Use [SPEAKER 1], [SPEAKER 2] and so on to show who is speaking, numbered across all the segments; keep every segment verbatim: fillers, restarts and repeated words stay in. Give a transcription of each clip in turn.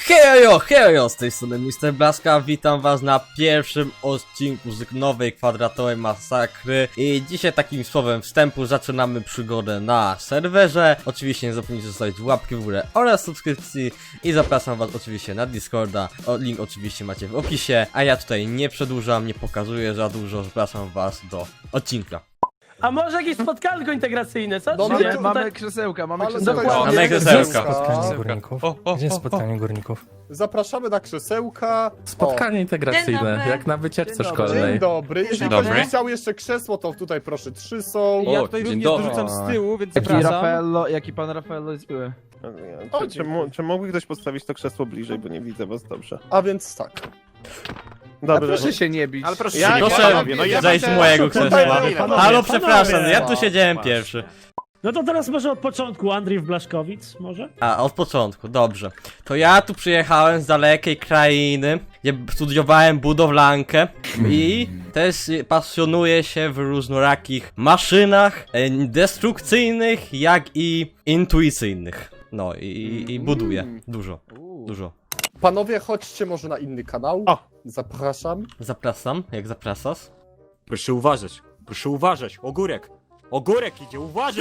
[SPEAKER 1] Hejo, hejo, z tej strony mister Blaska, witam was na pierwszym odcinku z nowej kwadratowej masakry. I dzisiaj takim słowem wstępu zaczynamy przygodę na serwerze. Oczywiście nie zapomnijcie zostawić łapki w górę oraz subskrypcji i zapraszam was oczywiście na Discorda. O, link oczywiście macie w opisie, a ja tutaj nie przedłużam, nie pokazuję za dużo, zapraszam was do odcinka.
[SPEAKER 2] A może jakieś spotkanko integracyjne, co?
[SPEAKER 3] No,
[SPEAKER 2] Czy
[SPEAKER 3] mamy,
[SPEAKER 2] nie?
[SPEAKER 3] mamy
[SPEAKER 2] Tutaj-
[SPEAKER 3] krzesełka, mamy
[SPEAKER 2] Ale
[SPEAKER 3] krzesełka.
[SPEAKER 2] dokładnie.
[SPEAKER 1] Mamy krzesełka.
[SPEAKER 4] Spotkanie górników.
[SPEAKER 1] O, o,
[SPEAKER 4] Gdzie jest
[SPEAKER 1] o,
[SPEAKER 4] spotkanie górników?
[SPEAKER 3] Zapraszamy na krzesełka.
[SPEAKER 4] Spotkanie integracyjne,
[SPEAKER 5] Dzień dobry.
[SPEAKER 4] jak na wycieczce
[SPEAKER 3] O,
[SPEAKER 4] szkolnej.
[SPEAKER 3] dzień dobry. Jeżeli
[SPEAKER 5] Dzień
[SPEAKER 3] ktoś
[SPEAKER 5] dobry.
[SPEAKER 3] by chciał jeszcze krzesło, to tutaj proszę trzy są.
[SPEAKER 5] Ja
[SPEAKER 1] O,
[SPEAKER 5] tutaj
[SPEAKER 1] dzień
[SPEAKER 5] również
[SPEAKER 1] dobry.
[SPEAKER 5] dorzucam z tyłu, więc
[SPEAKER 6] Jaki
[SPEAKER 5] zapraszam.
[SPEAKER 6] Raffaello, jaki pan Raffaello jest były?
[SPEAKER 3] O,
[SPEAKER 7] Czy, czy, mo- czy mógłby ktoś postawić to krzesło bliżej, bo nie widzę was dobrze.
[SPEAKER 3] A więc tak.
[SPEAKER 6] A
[SPEAKER 7] Dobrze.
[SPEAKER 6] proszę się nie bić.
[SPEAKER 7] Ale proszę
[SPEAKER 1] Ja
[SPEAKER 7] się nie
[SPEAKER 1] proszę
[SPEAKER 7] panowie, no ja
[SPEAKER 1] zejść z
[SPEAKER 7] będę-
[SPEAKER 1] mojego
[SPEAKER 7] Panowie,
[SPEAKER 1] krzesła.
[SPEAKER 7] panowie,
[SPEAKER 1] Halo,
[SPEAKER 7] panowie.
[SPEAKER 1] przepraszam, ja tu siedziałem pierwszy.
[SPEAKER 2] No to teraz może od początku, Andrzej Blaszkowic, może?
[SPEAKER 1] A, od początku, dobrze. To ja tu przyjechałem z dalekiej krainy, gdzie studiowałem budowlankę i też pasjonuję się w różnorakich maszynach, e, destrukcyjnych, jak i intuicyjnych. No i, i buduję dużo, dużo.
[SPEAKER 3] Panowie, chodźcie może na inny kanał.
[SPEAKER 7] O.
[SPEAKER 3] Zapraszam.
[SPEAKER 1] Zapraszam, jak zapraszasz?
[SPEAKER 8] Proszę uważać, proszę uważać, ogórek! Ogórek idzie, uważaj!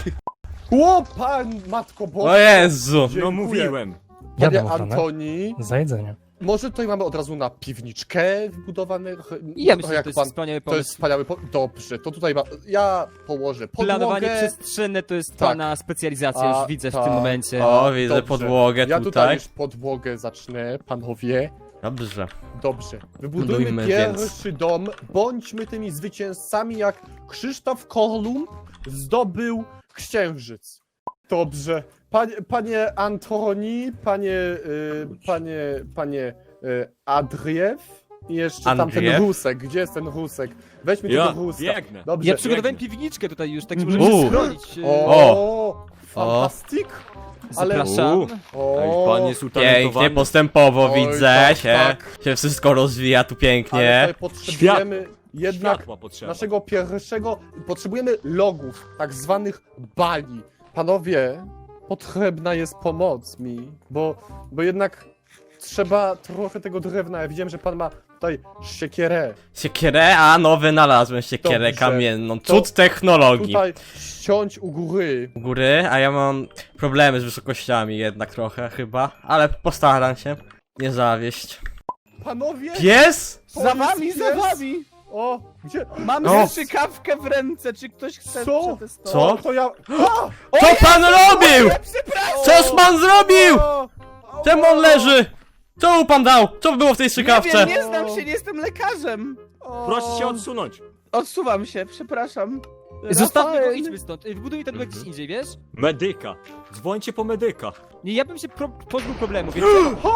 [SPEAKER 3] O, pan, matko Boże.
[SPEAKER 1] O Jezu!
[SPEAKER 3] Dziękuję.
[SPEAKER 8] No mówiłem!
[SPEAKER 3] Panie
[SPEAKER 4] Jadę ochronę.
[SPEAKER 3] Antoni,
[SPEAKER 4] Za jedzenie.
[SPEAKER 3] może tutaj mamy od razu na piwniczkę wbudowane.
[SPEAKER 5] Ja
[SPEAKER 3] No,
[SPEAKER 5] myślę, że
[SPEAKER 3] jak
[SPEAKER 5] to jest
[SPEAKER 3] pan-
[SPEAKER 5] wspaniały
[SPEAKER 3] To jest
[SPEAKER 5] pomysł.
[SPEAKER 3] wspaniały po... Dobrze, to tutaj ma... ja położę podłogę.
[SPEAKER 5] Planowanie przestrzenne to jest
[SPEAKER 3] Tak.
[SPEAKER 5] pana specjalizacja,
[SPEAKER 3] A,
[SPEAKER 5] już widzę w
[SPEAKER 3] tak.
[SPEAKER 5] tym momencie.
[SPEAKER 1] O, widzę
[SPEAKER 3] Dobrze.
[SPEAKER 1] podłogę
[SPEAKER 3] Ja tutaj
[SPEAKER 1] tutaj.
[SPEAKER 3] już podłogę zacznę, panowie.
[SPEAKER 1] Dobrze.
[SPEAKER 3] Dobrze. Wybudujmy
[SPEAKER 1] Budujmy
[SPEAKER 3] pierwszy
[SPEAKER 1] więc.
[SPEAKER 3] dom. Bądźmy tymi zwycięzcami, jak Krzysztof Kolumb zdobył Księżyc. Dobrze. Panie, panie Antoni, panie, y, panie, panie y, Adriew i jeszcze tam ten
[SPEAKER 1] Andriew?
[SPEAKER 3] Rusek. Gdzie jest ten Rusek? Weźmy
[SPEAKER 8] Ja
[SPEAKER 3] tego Ruska.
[SPEAKER 8] biegnę.
[SPEAKER 3] Dobrze.
[SPEAKER 5] Ja przygotowałem
[SPEAKER 8] biegnę.
[SPEAKER 5] piwniczkę tutaj już, tak że
[SPEAKER 1] Uuu.
[SPEAKER 5] możemy się schronić.
[SPEAKER 3] O, fantastik. Ale...
[SPEAKER 5] Zapraszam.
[SPEAKER 8] Uuu.
[SPEAKER 3] O,
[SPEAKER 8] Ej, pan jest
[SPEAKER 1] Pięknie,
[SPEAKER 8] utalentowany.
[SPEAKER 1] postępowo
[SPEAKER 3] Oj,
[SPEAKER 1] widzę
[SPEAKER 3] tak,
[SPEAKER 1] się.
[SPEAKER 3] tak.
[SPEAKER 1] Się wszystko rozwija tu
[SPEAKER 3] ale
[SPEAKER 1] pięknie.
[SPEAKER 3] tutaj potrzebujemy jednak
[SPEAKER 8] Światła potrzeba.
[SPEAKER 3] naszego pierwszego, potrzebujemy logów, tak zwanych bali. Panowie, potrzebna jest pomoc mi, bo, bo jednak trzeba trochę tego drewna. Ja widziałem, że pan ma tutaj siekierę.
[SPEAKER 1] Siekierę, a no wynalazłem siekierę
[SPEAKER 3] Dobrze.
[SPEAKER 1] kamienną.
[SPEAKER 3] To
[SPEAKER 1] Cud technologii.
[SPEAKER 3] Tutaj ściąć u góry.
[SPEAKER 1] U góry, a ja mam problemy z wysokościami jednak trochę chyba, ale postaram się nie zawieść.
[SPEAKER 3] Panowie!
[SPEAKER 1] Pies?
[SPEAKER 3] to
[SPEAKER 6] Za
[SPEAKER 3] jest
[SPEAKER 6] wami, za
[SPEAKER 3] pies.
[SPEAKER 6] wami!
[SPEAKER 3] O, gdzie?
[SPEAKER 6] Mamy
[SPEAKER 1] O.
[SPEAKER 6] strzykawkę w ręce, czy ktoś chce
[SPEAKER 3] Co?
[SPEAKER 6] przetestować?
[SPEAKER 1] Co?
[SPEAKER 3] O, to ja... A!
[SPEAKER 1] Co pan robił? Coż pan zrobił?
[SPEAKER 3] O!
[SPEAKER 1] Czemu on leży? Co mu pan dał? Co było w tej
[SPEAKER 6] Nie
[SPEAKER 1] strzykawce?
[SPEAKER 6] wiem, nie znam się, nie jestem lekarzem.
[SPEAKER 3] O!
[SPEAKER 8] Proszę się odsunąć.
[SPEAKER 6] Odsuwam się, przepraszam.
[SPEAKER 5] Zostawmy go,
[SPEAKER 3] Rafael.
[SPEAKER 5] idźmy stąd. Wybudujmy ten dom gdzieś indziej, wiesz?
[SPEAKER 8] Medyka. Dzwońcie po medyka.
[SPEAKER 5] Nie, ja bym się pro pozbył problemu, więc...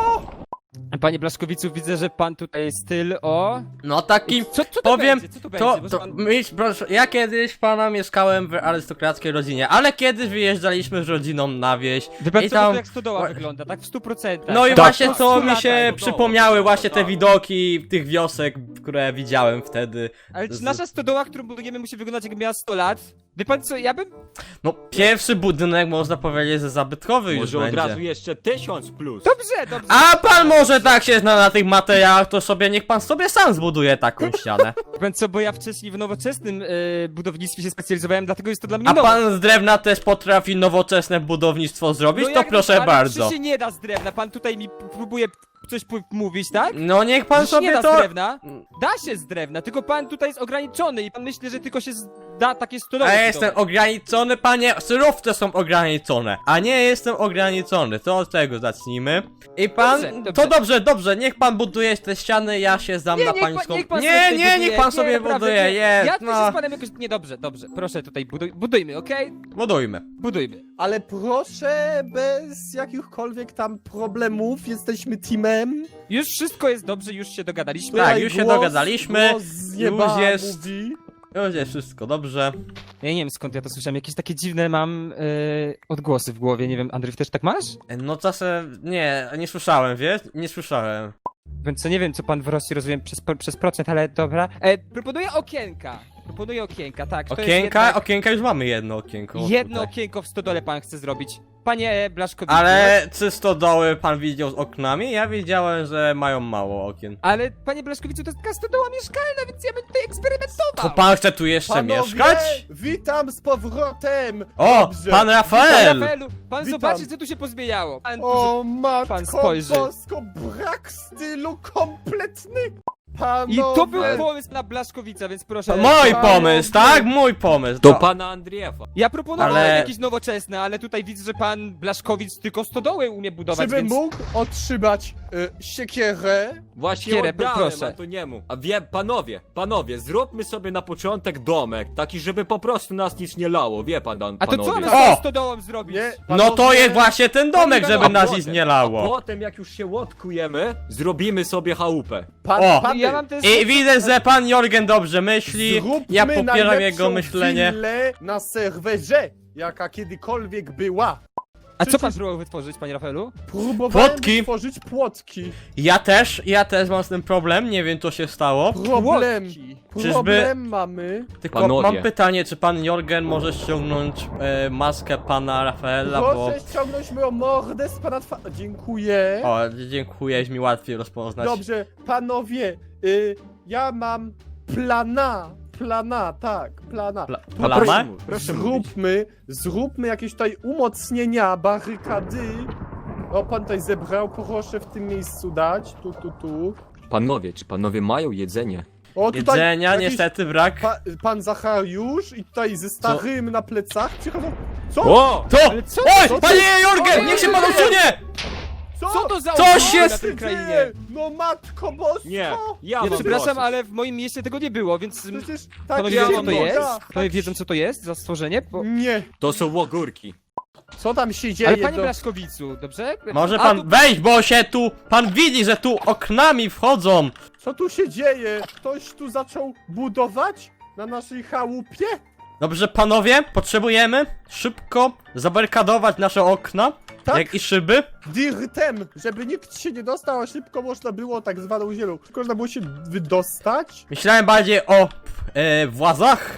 [SPEAKER 5] Panie Blaszkowicu, widzę, że pan tutaj styl o...
[SPEAKER 1] No taki...
[SPEAKER 5] Co, co to
[SPEAKER 1] Powiem,
[SPEAKER 5] będzie? Co to,
[SPEAKER 1] To,
[SPEAKER 5] będzie?
[SPEAKER 1] to
[SPEAKER 5] Bo pan...
[SPEAKER 1] myśl, proszę, ja kiedyś pana mieszkałem w arystokrackiej rodzinie, ale kiedyś wyjeżdżaliśmy z rodziną na wieś.
[SPEAKER 5] Wie pan
[SPEAKER 1] I
[SPEAKER 5] co,
[SPEAKER 1] tam-
[SPEAKER 5] to jak stodoła wygląda, tak w stu procentach.
[SPEAKER 1] No i
[SPEAKER 5] Tak.
[SPEAKER 1] właśnie
[SPEAKER 5] Po
[SPEAKER 1] to
[SPEAKER 5] stu
[SPEAKER 1] mi się
[SPEAKER 5] latach.
[SPEAKER 1] przypomniały właśnie te
[SPEAKER 8] tak.
[SPEAKER 1] widoki tych wiosek, które widziałem wtedy.
[SPEAKER 5] Ale czy
[SPEAKER 1] z-
[SPEAKER 5] nasza stodoła, którą budujemy, musi wyglądać jakby miała sto lat? Wie pan co, ja bym...
[SPEAKER 1] No pierwszy budynek można powiedzieć, że zabytkowy już
[SPEAKER 8] Może od
[SPEAKER 1] będzie.
[SPEAKER 8] razu jeszcze tysiąc plus.
[SPEAKER 5] Dobrze, dobrze.
[SPEAKER 1] A pan może tak się zna na tych materiałach, to sobie niech pan sobie sam zbuduje taką ścianę.
[SPEAKER 5] Wie pan co, bo ja wcześniej w nowoczesnym e, budownictwie się specjalizowałem, dlatego jest to dla mnie
[SPEAKER 1] A
[SPEAKER 5] nowe.
[SPEAKER 1] pan z drewna też potrafi nowoczesne budownictwo zrobić,
[SPEAKER 5] No
[SPEAKER 1] to
[SPEAKER 5] jak-
[SPEAKER 1] proszę
[SPEAKER 5] ale
[SPEAKER 1] bardzo.
[SPEAKER 5] czy się nie da z drewna, pan tutaj mi p- próbuje coś p- mówić, tak?
[SPEAKER 1] No niech pan
[SPEAKER 5] Że się nie
[SPEAKER 1] sobie
[SPEAKER 5] da
[SPEAKER 1] to...
[SPEAKER 5] z drewna. Da się z drewna, tylko pan tutaj jest ograniczony i pan myśli, że tylko się z- da takie stodoły.
[SPEAKER 1] A ja jestem
[SPEAKER 5] budować.
[SPEAKER 1] ograniczony, panie, surowce są ograniczone, a nie jestem ograniczony, to od tego zacznijmy. I pan,
[SPEAKER 5] Dobrze, dobrze.
[SPEAKER 1] to dobrze, dobrze, niech pan buduje te ściany, ja się zdam
[SPEAKER 5] Nie,
[SPEAKER 1] na
[SPEAKER 5] niech pan,
[SPEAKER 1] pańską...
[SPEAKER 5] niech pan
[SPEAKER 1] nie,
[SPEAKER 5] sobie
[SPEAKER 1] nie,
[SPEAKER 5] buduje.
[SPEAKER 1] niech pan sobie
[SPEAKER 5] naprawdę,
[SPEAKER 1] buduje,
[SPEAKER 5] nie.
[SPEAKER 1] jest,
[SPEAKER 5] Ja tutaj się
[SPEAKER 1] no.
[SPEAKER 5] z panem jakoś... Nie, dobrze, dobrze, proszę tutaj, buduj, budujmy, okej?
[SPEAKER 1] Budujmy.
[SPEAKER 5] Budujmy.
[SPEAKER 3] Ale proszę, bez jakichkolwiek tam problemów, jesteśmy teamem.
[SPEAKER 5] Już wszystko jest dobrze, już się dogadaliśmy.
[SPEAKER 1] Tak,
[SPEAKER 3] Tutaj
[SPEAKER 1] już się
[SPEAKER 3] głos-
[SPEAKER 1] dogadaliśmy,
[SPEAKER 3] głos z nieba
[SPEAKER 1] już jest-
[SPEAKER 3] mówi.
[SPEAKER 1] Już jest wszystko dobrze.
[SPEAKER 5] Ja nie wiem skąd ja to słyszałem, jakieś takie dziwne mam yy, odgłosy w głowie, nie wiem, Andrzej, też tak masz?
[SPEAKER 1] No czasem, nie, nie słyszałem, wiesz? Nie słyszałem.
[SPEAKER 5] Więc co nie wiem, co pan w Rosji rozumie przez, przez procent, ale dobra. E, proponuję okienka. proponuję okienka, tak. To jest
[SPEAKER 1] Okienka,
[SPEAKER 5] jednak
[SPEAKER 1] okienka już mamy jedno okienko.
[SPEAKER 5] jedno
[SPEAKER 1] tutaj.
[SPEAKER 5] okienko w stodole pan chce zrobić. Panie Blaszkowicu.
[SPEAKER 1] Ale czy stodoły pan widział z oknami? Ja wiedziałem, że mają mało okien.
[SPEAKER 5] Ale panie Blaszkowicu, to jest taka stodoła mieszkalna, więc ja bym tutaj eksperymentował.
[SPEAKER 1] To pan chce tu jeszcze
[SPEAKER 3] Panowie,
[SPEAKER 1] mieszkać?
[SPEAKER 3] witam z powrotem!
[SPEAKER 1] O,
[SPEAKER 3] Dobrze.
[SPEAKER 1] pan
[SPEAKER 5] Panie
[SPEAKER 1] Rafael!
[SPEAKER 5] Rafaelu, pan
[SPEAKER 3] Witam.
[SPEAKER 5] zobaczy, co tu się pozmieniało. Pan,
[SPEAKER 3] O
[SPEAKER 5] pan
[SPEAKER 3] matko
[SPEAKER 5] spojrzy.
[SPEAKER 3] bosko, brak stylu kompletny! Panowie!
[SPEAKER 5] I to był pomysł na Blaszkowica, więc proszę.
[SPEAKER 1] Mój
[SPEAKER 3] Panowie.
[SPEAKER 1] pomysł, tak? Mój pomysł.
[SPEAKER 8] Do
[SPEAKER 1] No.
[SPEAKER 8] pana Andriefa.
[SPEAKER 5] Ja proponowałem
[SPEAKER 1] Ale-
[SPEAKER 5] jakieś nowoczesne, ale tutaj widzę, że pan Blaszkowic tylko stodoły umie budować,
[SPEAKER 3] Czy by
[SPEAKER 5] więc...
[SPEAKER 3] mógł otrzymać y, siekierę?
[SPEAKER 8] Właśnie
[SPEAKER 5] Kierę,
[SPEAKER 8] oddałem
[SPEAKER 5] proszę.
[SPEAKER 8] Antoniemu. A wie, panowie, panowie, zróbmy sobie na początek domek, taki, żeby po prostu nas nic nie lało, wie pan, dan-
[SPEAKER 5] A to co
[SPEAKER 8] panowie.
[SPEAKER 5] mamy z tą
[SPEAKER 1] O!
[SPEAKER 5] stodołą zrobić?
[SPEAKER 3] Nie,
[SPEAKER 1] No to
[SPEAKER 3] panowie,
[SPEAKER 1] jest właśnie ten domek,
[SPEAKER 5] Panie
[SPEAKER 1] żeby
[SPEAKER 5] Rafael,
[SPEAKER 1] nas
[SPEAKER 8] A
[SPEAKER 1] nic
[SPEAKER 8] potem-
[SPEAKER 1] nie
[SPEAKER 8] A
[SPEAKER 1] lało.
[SPEAKER 8] potem, jak już się łotkujemy, zrobimy sobie chałupę.
[SPEAKER 3] Pan,
[SPEAKER 1] O!
[SPEAKER 3] pany,
[SPEAKER 5] Ja mam też...
[SPEAKER 1] I widzę, że pan Jorgen dobrze myśli.
[SPEAKER 3] zróbmy
[SPEAKER 1] Ja popieram
[SPEAKER 3] najlepszą
[SPEAKER 1] jego myślenie.
[SPEAKER 3] willę na serwerze, jaka kiedykolwiek była.
[SPEAKER 5] A co pan
[SPEAKER 3] przecież-
[SPEAKER 5] próbował wytworzyć, panie Rafaelu?
[SPEAKER 3] Próbowałem
[SPEAKER 1] Płotki.
[SPEAKER 3] tworzyć płotki.
[SPEAKER 1] Ja też, ja też mam z tym problem, nie wiem co się stało.
[SPEAKER 3] Problem.
[SPEAKER 5] Płotki.
[SPEAKER 3] Problem mamy.
[SPEAKER 1] Tylko
[SPEAKER 8] Panowie.
[SPEAKER 1] mam pytanie, czy pan Jorgen może ściągnąć e, maskę pana Rafaela, bo...
[SPEAKER 3] Proszę ściągnąć moją mordę z pana twa... Dziękuję.
[SPEAKER 1] O, dziękuję, jest mi łatwiej rozpoznać.
[SPEAKER 3] Dobrze, panowie, y, ja mam plana. Plana, tak, plana.
[SPEAKER 1] Pla
[SPEAKER 3] Tu
[SPEAKER 1] plama?
[SPEAKER 8] Proszę, mu- proszę mówić.
[SPEAKER 3] Zróbmy, zróbmy jakieś tutaj umocnienia, barykady. O, pan tutaj zebrał, proszę w tym miejscu dać. Tu, tu, tu.
[SPEAKER 8] Panowie, czy panowie mają jedzenie?
[SPEAKER 3] O, tutaj
[SPEAKER 1] Jedzenia
[SPEAKER 3] jakiś
[SPEAKER 1] niestety brak.
[SPEAKER 3] Pa, pan Zachariusz i tutaj ze starym na plecach przychodzą. Co?
[SPEAKER 8] O!
[SPEAKER 1] To!
[SPEAKER 5] Ale co-
[SPEAKER 1] Oj,
[SPEAKER 3] co-
[SPEAKER 1] panie
[SPEAKER 3] co-
[SPEAKER 1] Jorgen, niech się pan usunie!
[SPEAKER 5] Co to za
[SPEAKER 1] Co
[SPEAKER 5] umowy
[SPEAKER 1] się
[SPEAKER 5] na
[SPEAKER 1] z-
[SPEAKER 5] tej krainie?
[SPEAKER 3] dzieje? No matko bosko!
[SPEAKER 8] Nie, ja
[SPEAKER 5] Ja
[SPEAKER 8] mam
[SPEAKER 5] przepraszam,
[SPEAKER 8] dosyć.
[SPEAKER 5] ale w moim mieście tego nie było, więc...
[SPEAKER 3] Przecież tak
[SPEAKER 5] Panowie
[SPEAKER 8] ja
[SPEAKER 5] wiedzą, co
[SPEAKER 8] mam
[SPEAKER 5] to
[SPEAKER 8] dosyć.
[SPEAKER 5] jest?
[SPEAKER 3] tak
[SPEAKER 5] Panowie wiedzą, co to jest za stworzenie? Bo...
[SPEAKER 3] Nie,
[SPEAKER 8] To są ogórki.
[SPEAKER 3] co tam się dzieje?
[SPEAKER 5] Ale panie
[SPEAKER 3] do-
[SPEAKER 5] Blaszkowicu, dobrze?
[SPEAKER 1] Może
[SPEAKER 5] A,
[SPEAKER 1] pan
[SPEAKER 5] tu-
[SPEAKER 1] wejść, bo się tu... Pan widzi, że tu oknami wchodzą.
[SPEAKER 3] Co tu się dzieje? Ktoś tu zaczął budować? Na naszej chałupie?
[SPEAKER 1] Dobrze, panowie, potrzebujemy szybko zabarykadować nasze okna,
[SPEAKER 3] Tak?
[SPEAKER 1] jak i szyby.
[SPEAKER 3] Dirtem, żeby nikt się nie dostał, a szybko można było tak zwaną zielą. Tylko można było się wydostać.
[SPEAKER 1] Myślałem bardziej o e, włazach,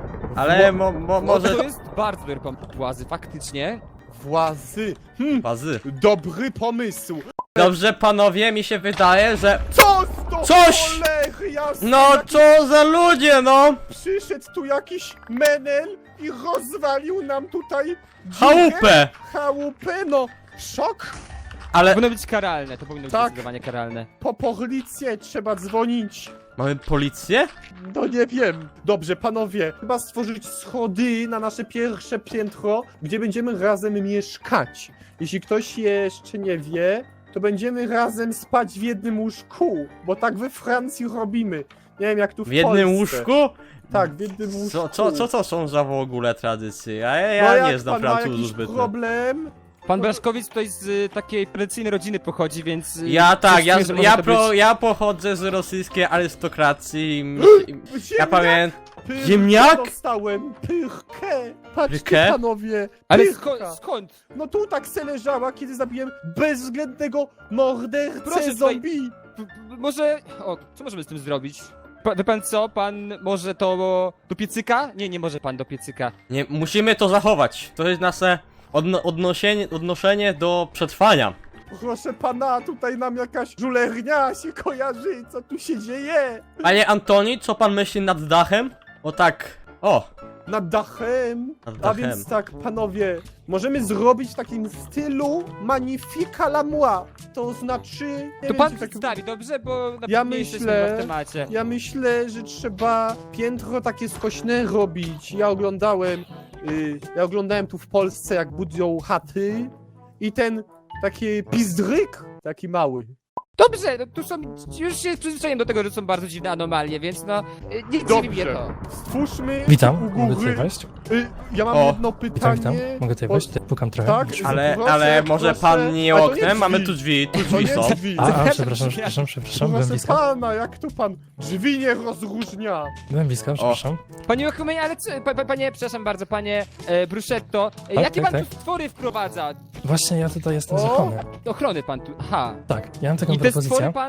[SPEAKER 1] ale mo, mo,
[SPEAKER 5] Może...
[SPEAKER 1] może...
[SPEAKER 5] To jest bardzo dobry pomysł, Łazy, faktycznie.
[SPEAKER 3] Włazy. Hm,
[SPEAKER 1] Włazy.
[SPEAKER 3] dobry pomysł.
[SPEAKER 1] Dobrze, panowie, mi się wydaje, że...
[SPEAKER 3] Co to
[SPEAKER 1] Coś!
[SPEAKER 3] cholery jasne?
[SPEAKER 1] No,
[SPEAKER 3] Jaki
[SPEAKER 1] co za ludzie, no!
[SPEAKER 3] Przyszedł tu jakiś menel i rozwalił nam tutaj dziurę.
[SPEAKER 1] Chałupę!
[SPEAKER 3] Chałupę, no. Szok.
[SPEAKER 1] Ale...
[SPEAKER 5] To powinno być karalne, to powinno być
[SPEAKER 3] Tak.
[SPEAKER 5] zdecydowanie karalne.
[SPEAKER 3] Po policję trzeba dzwonić.
[SPEAKER 1] Mamy policję?
[SPEAKER 3] No nie wiem. Dobrze, panowie, chyba stworzyć schody na nasze pierwsze piętro, gdzie będziemy razem mieszkać. Jeśli ktoś jeszcze nie wie, to będziemy razem spać w jednym łóżku, bo tak we Francji robimy. Nie wiem jak tu w,
[SPEAKER 1] W jednym
[SPEAKER 3] Polsce.
[SPEAKER 1] łóżku?
[SPEAKER 3] Tak, w jednym łóżku.
[SPEAKER 1] Co, co, co to są za w ogóle tradycje? Ja,
[SPEAKER 3] No
[SPEAKER 1] ja
[SPEAKER 3] jak
[SPEAKER 1] nie znam
[SPEAKER 3] pan ma
[SPEAKER 1] Francuzów
[SPEAKER 3] jakiś
[SPEAKER 1] zbytnio.
[SPEAKER 3] problem,
[SPEAKER 5] Pan Blaszkowic tutaj z y, takiej tradycyjnej rodziny pochodzi, więc... y,
[SPEAKER 1] Ja tak, ja,
[SPEAKER 5] czuję, że może
[SPEAKER 1] ja,
[SPEAKER 5] to
[SPEAKER 1] pro,
[SPEAKER 5] być-
[SPEAKER 1] ja pochodzę z rosyjskiej arystokracji. i myśl- i- Ja
[SPEAKER 3] Ziemniak!
[SPEAKER 1] pamiętam.
[SPEAKER 3] Pyrkę
[SPEAKER 1] Ziemniak?
[SPEAKER 3] dostałem, pyrkę. Patrzcie
[SPEAKER 1] Pyrkę?
[SPEAKER 3] panowie,
[SPEAKER 5] Ale
[SPEAKER 3] pyrka.
[SPEAKER 5] sko skąd?
[SPEAKER 3] No tu tak se leżała, kiedy zabiłem bezwzględnego mordercę
[SPEAKER 5] Proszę tutaj-
[SPEAKER 3] zombie.
[SPEAKER 5] P- p- Może... O, co możemy z tym zrobić? Pa, wie pan co? Pan może to do piecyka? Nie, nie może pan do piecyka.
[SPEAKER 1] Nie, musimy to zachować. To jest nasze odno odnoszenie, odnoszenie do przetrwania.
[SPEAKER 3] Proszę pana, tutaj nam jakaś żulernia się kojarzy, co tu się dzieje?
[SPEAKER 1] Panie Antoni, co pan myśli nad dachem? O tak. O,
[SPEAKER 3] Nad dachem.
[SPEAKER 1] Nad
[SPEAKER 3] A
[SPEAKER 1] dachem.
[SPEAKER 3] więc tak, panowie, możemy zrobić w takim stylu Magnifica la moi. To znaczy... nie
[SPEAKER 5] To
[SPEAKER 3] wiem,
[SPEAKER 5] pan
[SPEAKER 3] czy tak-
[SPEAKER 5] przedstawi, dobrze? Bo na
[SPEAKER 3] Ja
[SPEAKER 5] nie jesteśmy
[SPEAKER 3] myślę-
[SPEAKER 5] w temacie.
[SPEAKER 3] Ja myślę, że trzeba piętro takie skośne robić. Ja oglądałem, y, ja oglądałem tu w Polsce, jak budują chaty i ten taki pizdryk, taki mały.
[SPEAKER 5] Dobrze, no tu są... Już się przyzwyczaiłem do tego, że są bardzo dziwne anomalie, więc no... y, Nie dziwi mnie
[SPEAKER 3] Dobrze.
[SPEAKER 5] to.
[SPEAKER 3] Stwórzmy
[SPEAKER 4] Witam,
[SPEAKER 3] u
[SPEAKER 4] mogę tutaj
[SPEAKER 3] góry.
[SPEAKER 4] wejść?
[SPEAKER 3] Y, ja mam
[SPEAKER 1] O,
[SPEAKER 3] jedno
[SPEAKER 4] Witam,
[SPEAKER 3] pytanie.
[SPEAKER 4] witam. Mogę tutaj
[SPEAKER 3] bo-
[SPEAKER 4] wejść? Pukam trochę.
[SPEAKER 3] Tak,
[SPEAKER 1] ale,
[SPEAKER 3] proszę,
[SPEAKER 1] ale może
[SPEAKER 3] proszę.
[SPEAKER 1] pan nie
[SPEAKER 3] A to nie
[SPEAKER 1] oknem? Mamy
[SPEAKER 3] drzwi.
[SPEAKER 1] tu drzwi, tu
[SPEAKER 3] To
[SPEAKER 1] drzwi
[SPEAKER 3] nie
[SPEAKER 1] są.
[SPEAKER 3] drzwi.
[SPEAKER 4] A, a, przepraszam, przepraszam, przepraszam, byłem
[SPEAKER 3] Proszę
[SPEAKER 4] blisko.
[SPEAKER 3] pana, jak to pan drzwi nie rozróżnia?
[SPEAKER 4] Byłem blisko, przepraszam.
[SPEAKER 5] Panie Ochumenie, ale co... Pa, pa, panie, przepraszam bardzo, panie e, Bruschetto. E,
[SPEAKER 4] Tak,
[SPEAKER 5] jakie
[SPEAKER 4] tak,
[SPEAKER 5] pan
[SPEAKER 4] tak.
[SPEAKER 5] tu stwory wprowadza?
[SPEAKER 4] Właśnie ja tutaj jestem z
[SPEAKER 3] O!
[SPEAKER 4] ochrony.
[SPEAKER 5] Ochrony pan tu... Aha.
[SPEAKER 4] Tak, ja mam taką
[SPEAKER 5] I te stwory
[SPEAKER 4] propozycję.
[SPEAKER 5] pan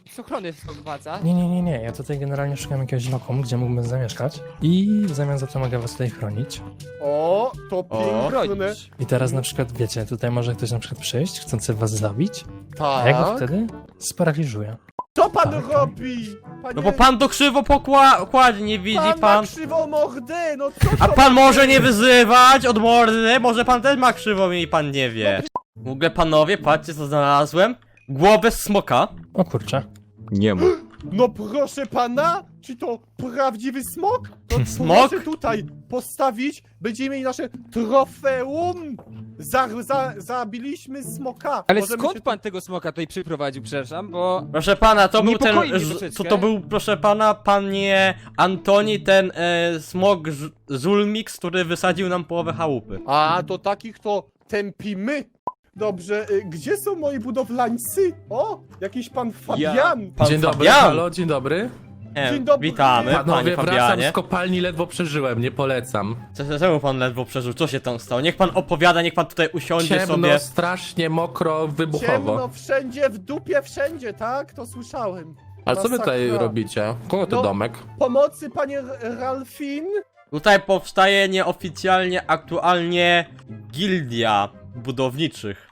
[SPEAKER 5] z ochrony wprowadza.
[SPEAKER 4] Nie, nie, nie, nie. Ja tutaj generalnie szukam jakiegoś lokum, gdzie mógłbym zamieszkać. I w zamian za to mogę was tutaj chronić.
[SPEAKER 3] O, to piękne.
[SPEAKER 5] Bronić.
[SPEAKER 4] I teraz na przykład, wiecie, tutaj może ktoś na przykład przyjść, chcący was zabić. A
[SPEAKER 3] Tak.
[SPEAKER 4] ja go wtedy sparaliżuję.
[SPEAKER 3] Co pan
[SPEAKER 4] Tak, tak.
[SPEAKER 3] robi? Panie,
[SPEAKER 1] No bo pan to krzywo pokładzie, nie widzi
[SPEAKER 3] pan
[SPEAKER 1] pan.
[SPEAKER 3] ma krzywą mordę, no co
[SPEAKER 1] A
[SPEAKER 3] to
[SPEAKER 1] pan może nie wyzywać od mordy, może pan też ma krzywą i pan nie wie. W ogóle panowie, patrzcie co znalazłem. Głowę smoka.
[SPEAKER 4] O kurczę.
[SPEAKER 8] Nie ma.
[SPEAKER 3] No proszę pana, czy to prawdziwy smok? To
[SPEAKER 1] Smok?
[SPEAKER 3] proszę tutaj postawić, będziemy mieli nasze trofeum. Za, za, zabiliśmy smoka.
[SPEAKER 5] Ale
[SPEAKER 3] Możemy
[SPEAKER 5] skąd
[SPEAKER 3] się
[SPEAKER 5] pan tego smoka tutaj przyprowadził, przepraszam, bo...
[SPEAKER 1] Proszę pana, to był ten.
[SPEAKER 5] Niepokoi mnie
[SPEAKER 1] z-
[SPEAKER 5] troszeczkę.
[SPEAKER 1] To, to był, proszę pana, panie Antoni, ten e, smok Ż- Zulmix, który wysadził nam połowę chałupy.
[SPEAKER 3] A, to takich to tępimy. Dobrze, y, gdzie są moi budowlańcy? O, jakiś pan Fabian.
[SPEAKER 1] Pan
[SPEAKER 9] Dzień dobry,
[SPEAKER 1] Fabian.
[SPEAKER 9] halo, dzień dobry.
[SPEAKER 1] E,
[SPEAKER 3] Dzień dobry.
[SPEAKER 1] Witamy, panie
[SPEAKER 9] Panowie, wracam
[SPEAKER 1] Fabianie.
[SPEAKER 9] z kopalni, ledwo przeżyłem, nie polecam.
[SPEAKER 1] Co- Czemu pan ledwo przeżył? Co się tam stało? Niech pan opowiada, niech pan tutaj usiądzie
[SPEAKER 9] Ciemno,
[SPEAKER 1] sobie.
[SPEAKER 9] strasznie, mokro, wybuchowo.
[SPEAKER 3] Ciemno wszędzie, w dupie wszędzie, tak? To słyszałem.
[SPEAKER 9] A co wy tutaj
[SPEAKER 3] Masakra.
[SPEAKER 9] robicie? Kogo to
[SPEAKER 3] No.
[SPEAKER 9] domek?
[SPEAKER 3] Pomocy, panie R- Ralfin?
[SPEAKER 1] Tutaj powstaje nieoficjalnie, aktualnie gildia budowniczych.